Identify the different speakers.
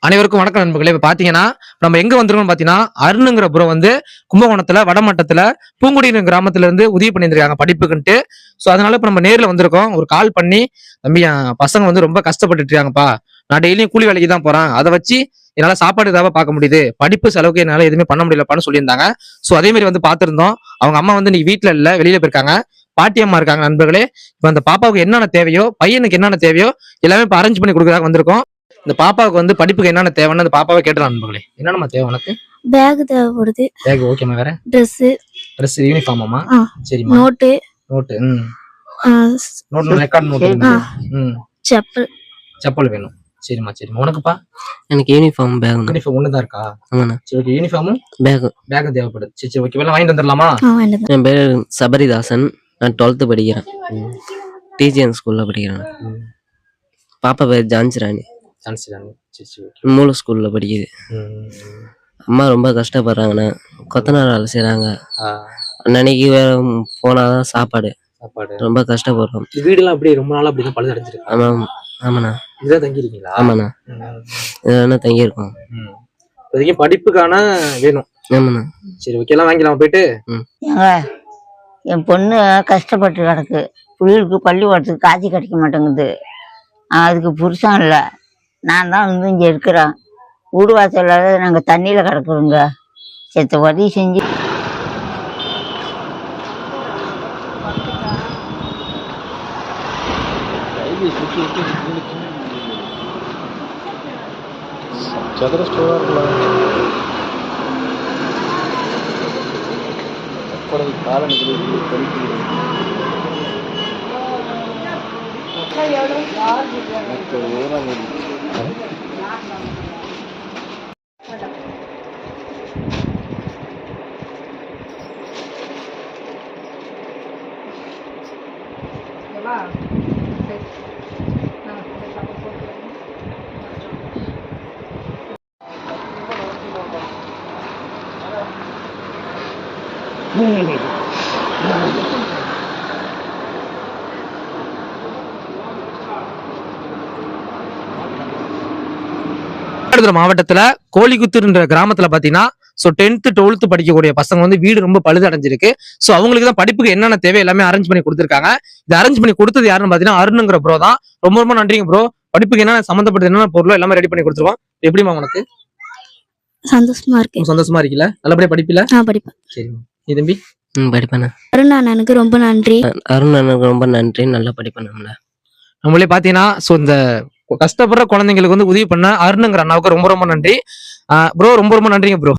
Speaker 1: அனைவருக்கும் வணக்கம் நண்பர்களே. இப்ப பாத்தீங்கன்னா நம்ம எங்க வந்திருக்கோம் பாத்தீங்கன்னா அருணுங்கிற ப்ரோ வந்து கும்பகோணத்துல வடமட்டத்துல பூங்குடியின கிராமத்துல இருந்து உதவி பண்ணியிருக்காங்க படிப்புக்குன்ட்டு. சோ அதனால இப்ப நம்ம நேர்ல வந்திருக்கோம். ஒரு கால் பண்ணி, தம்பி என் பசங்க வந்து ரொம்ப கஷ்டப்பட்டுட்டு இருக்காங்கப்பா, நான் டெய்லியும் கூலி வேலைக்கு தான் போறேன், அதை வச்சு என்னால சாப்பாடு ஏதாவது பார்க்க முடியுது, படிப்பு செலவுக்கு என்னால எதுவுமே பண்ண முடியலப்பான்னு சொல்லியிருந்தாங்க. சோ அதே மாதிரி வந்து பாத்திருந்தோம். அவங்க அம்மா வந்து இன்னைக்கு வீட்டுல இல்ல, வெளியில போயிருக்காங்க. பாட்டி அம்மா இருக்காங்க நண்பர்களே. இப்ப அந்த பாப்பாவுக்கு என்னென்ன தேவையோ, பையனுக்கு என்னென்ன தேவையோ எல்லாமே இப்ப அரேஞ்ச் பண்ணி கொடுக்குறாங்க வந்திருக்கோம். இந்த பாப்பாவுக்கு வந்து படிப்புக்கு என்னென்ன தேவைன்னு அந்த பாப்பாவை கேட்டலாம் நண்பர்களே. என்னென்ன தேவை உனக்கு?
Speaker 2: பேக் தேவைப்படுது.
Speaker 1: பேக் ஓகேமா. வேற ட்ரெஸ் யூனிஃபார்மாமா? சரிமா. Note. Note record note.
Speaker 2: Chappal.
Speaker 1: Chappal வேணும். சரிமா சரிமா. உனக்குப்பா?
Speaker 3: எனக்கு யூனிஃபார்ம் பேக்.
Speaker 1: யூனிஃபார்ம் ஒண்ணுதான் இருக்கா?
Speaker 3: ஆமாண்ணா.
Speaker 1: சரி ஓகே. யூனிஃபார்மும் பேக் தேவைப்படுது. சரி சரி ஓகே. எல்லாம் வாங்கிட்டு வந்துடலாமா?
Speaker 3: என் பேர் சபரிதாசன். நான் 12th படிக்கிறேன். டிஜிஎன் ஸ்கூல்ல படிக்கிறேன். பாப்பா பேர் ஜான்சிராணி. மூல ஸ்கூல்ல படிக்குது. அம்மா ரொம்ப கஷ்டப்படுறாங்கண்ணா. கொத்தனார் வேலை செய்யறாங்க. அன்னைக்கு வேற போனாதான் சாப்பாடு. ரொம்ப கஷ்டப்படுறோம்.
Speaker 1: வீடுலாம் அப்படியே ரொம்ப நாளா அப்படிதான் பழுது அடைஞ்சிருக்கு.
Speaker 3: ஆமா ஆமாண்ணா.
Speaker 1: இதான் தங்கி இருக்கீங்களா?
Speaker 3: ஆமாண்ணா, இதான் தங்கி இருக்கோம்.
Speaker 1: இப்போதைக்கு படிப்புக்கான வேணும்.
Speaker 3: ஆமாண்ணா.
Speaker 1: சரி ஓகே. எல்லாம் வாங்கிக்கலாம் போயிட்டு.
Speaker 4: என் பொண்ணு கஷ்டப்பட்டு கிடக்கு. பிள்ளைகளுக்கு பள்ளிக்கூடத்துக்கு காட்சி கிடைக்க மாட்டேங்குது. அதுக்கு புருஷன் இல்லை, நான் தான் வந்து இங்கே இருக்கிறேன். வீடு வாசல் நாங்கள் தண்ணியில் கிடக்குறோங்க. செத்த உதவி செஞ்சு
Speaker 5: சதுர ஸ்டோரா இருக்கலாம்.
Speaker 1: மாவட்டத்துல கோழிக்குத்துன்ற கிராமத்துல பாத்தீங்கன்னா 10th 12th படிக்கக்கூடிய பசங்க வந்து வீடு ரொம்ப பழுது அடைஞ்சிருக்கு. சோ அவங்களுக்கு தான் படிப்புக்கு என்னென்ன தேவை எல்லாமே அரேஞ்ச் பண்ணி கொடுத்துருக்காங்க. இது அரேஞ்ச் பண்ணி கொடுத்தது யாருன்னு பாத்தீங்கன்னா அருணுங்கிற ப்ரோ தான். ரொம்ப ரொம்ப நன்றிங்க ப்ரோ. படிப்புக்கு என்ன சம்பந்தப்பட்ட என்னென்ன பொருளோ எல்லாமே ரெடி பண்ணி கொடுத்துருவோம். எப்படிமா உனக்கு?
Speaker 2: சந்தோஷமா இருக்கு.
Speaker 1: சந்தோஷமா இருக்கீங்களா? நல்லபடியா படிப்பில?
Speaker 2: படிப்பேன்.
Speaker 1: சரி நீ தம்பி?
Speaker 3: படிப்பேண்ணா.
Speaker 2: அருண் அண்ணனுக்கு ரொம்ப நன்றி.
Speaker 3: அருண் அண்ணனுக்கு ரொம்ப நன்றி. நல்லா படிப்பேன்.
Speaker 1: நம்மளே பாத்தீங்கன்னா இந்த கஷ்டப்படுற குழந்தைங்களுக்கு வந்து உதவி பண்ண அருணுங்கிற அண்ணாவுக்கு ரொம்ப ரொம்ப நன்றி ப்ரோ. ரொம்ப ரொம்ப நன்றிங்க ப்ரோ.